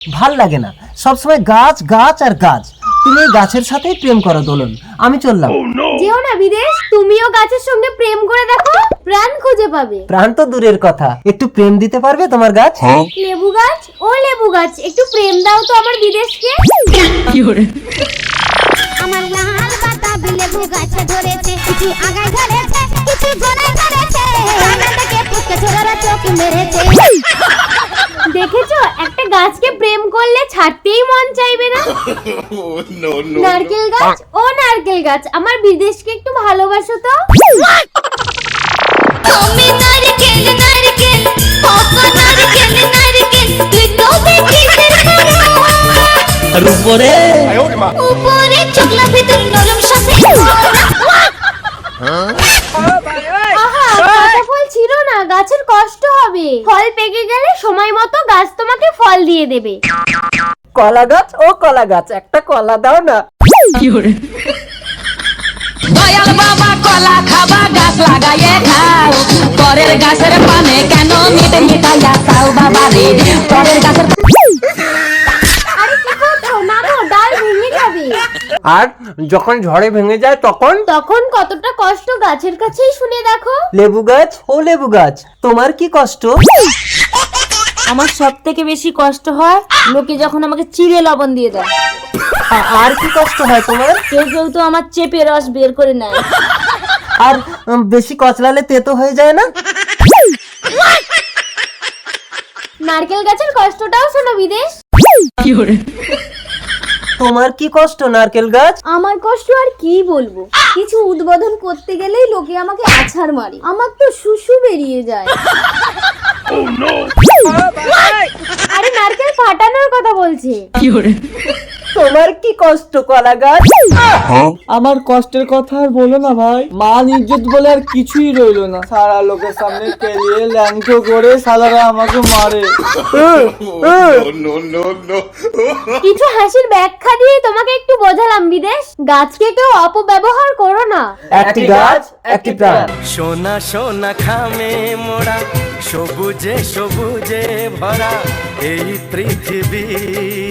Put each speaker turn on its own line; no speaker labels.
ভাল লাগে না, সবসময় গাছ গাছ আর গাছ। তুমি এই গাছের সাথেই প্রেম করো দোলন, আমি চললাম।
যেও না বিদেশ, তুমিও গাছের সঙ্গে প্রেম করে দেখো, প্রাণ খুঁজে পাবে।
প্রাণ তো দূরের কথা, একটু প্রেম দিতে পারবে তোমার গাছ?
লেবু গাছ, ও লেবু গাছ, একটু প্রেম দাও তো আমার বিদেশকে।
আমার লাল বাতাবি লেবু গাছে ধরেছে, কিছু আগায় ধরেছে, কিছু গোড়ায় ধরেছে, কানা থেকে পুচকে ছোড়ারা চোখ মেরেছে।
দেখেছো, একটা গাছকে প্রেম করলে ছাড়তেই মন চাইবে না। নারকেল গাছ, ও নারকেল গাছ, আমার বিদেশকে একটু ভালোবাসো তো।
তুমি নারকেল নারকেল, কত নারকেল নারকেল, তুই তবে কিসের করো?
আর উপরে
উপরে চকলা ভিতর নরম সাথে।
আহা, কাঁচা ফল ছিল না, গাছের কষ্ট হবে। ফল পেকে গেলে সময় মতো গাছ তোমাকে ফল দিয়ে দেবে।
কলা গাছ, ও কলা গাছ, একটা কলা দাও না।
দয়াল বাবা কলা খাবা গাছ লাগাইয়ে খাও, পরের গাছের পানে কেন মিটে মিটাইয়া খাও বাবা রে, পরের গাছের
আরে কি করছো? না গো, ডাল ভেঙে যাবে।
আর যখন ঝড়ে ভেঙে যায় তখন?
তখন কতটা কষ্ট গাছের কাছেই শুনে দেখো।
লেবু গাছ, ও লেবু গাছ, তোমার কি কষ্ট?
আমার সব থেকে বেশি কষ্ট হয় লোকে যখন আমাকে চিড়ে লবণ দিয়ে দেয়।
আর কি কষ্ট হয় তোমার?
কেউ কেউ তো আমার চেপে রস বের করে নেয়।
আর বেশি কচলালে তেতো হয়ে যায় না?
নারকেল গাছের কষ্টটাও শোনো বিদেশ।
তোমার কি কষ্ট নারকেল গাছ?
আমার কষ্ট আর কি বলবো, কিছু উদ্বোধন করতে গেলেই লোকে আমাকে আছাড় মারে, আমার তো শুশু বেরিয়ে যায়। আরে নারকেল ফাটানোর কথা বলছে।
তোমার কি কষ্ট কলা গাছ?
আমার কষ্টের কথা আর বলো না ভাই, মান ইজ্জত বলে আর কিছুই রইলো না। সারা লোকের সামনে কেলিয়ে ল্যাংটো করে সালারা আমাকে মারে।
কিছু হাসির ব্যাখ্যা দিয়ে তোমাকে একটু বোঝালাম বিদেশ, গাছকে কেউ অপব্যবহার করো না।
একটি গাছ একটি প্রাণ।
সোনা সোনা খামে মোড়া, সবুজে সবুজে ভরা এই পৃথিবী।